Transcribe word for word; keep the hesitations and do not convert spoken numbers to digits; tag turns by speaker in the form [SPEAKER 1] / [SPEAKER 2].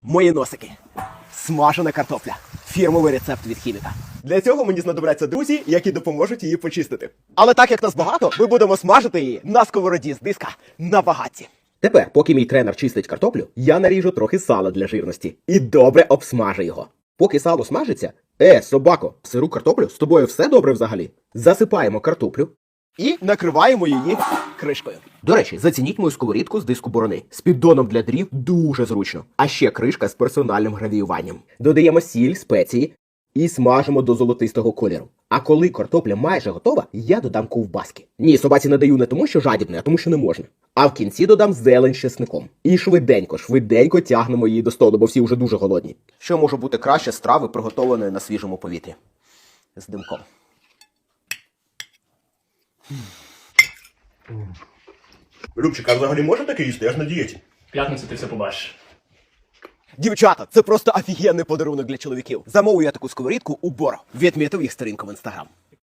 [SPEAKER 1] Мої носики. Смажена картопля. Фірмовий рецепт від хіміка. Для цього мені знадобляться друзі, які допоможуть її почистити. Але так як нас багато, ми будемо смажити її на сковороді з диска на багатці. Тепер, поки мій тренер чистить картоплю, я наріжу трохи сала для жирності і добре обсмажу його. Поки сало смажиться, е, собако, сиру картоплю, з тобою все добре взагалі? Засипаємо картоплю і накриваємо її кришкою. До речі, зацініть мою сковорідку з диску борони. З піддоном для дрів дуже зручно. А ще кришка з персональним гравіюванням. Додаємо сіль, спеції і смажимо до золотистого кольору. А коли картопля майже готова, я додам ковбаски. Ні, собаці не даю не тому, що жадібне, а тому, що не можна. А в кінці додам зелень з чесником. І швиденько, швиденько тягнемо її до столу, бо всі вже дуже голодні. Що може бути краще страви, приготованої на свіжому повітрі? З димком.
[SPEAKER 2] Любчик, а взагалі можна таке їсти? Я ж на дієті.
[SPEAKER 3] В п'ятницю ти все побачиш.
[SPEAKER 1] Дівчата, це просто офігенний подарунок для чоловіків. Замовив я таку сковорідку у Боро. Відмітив їх сторінку в інстаграм.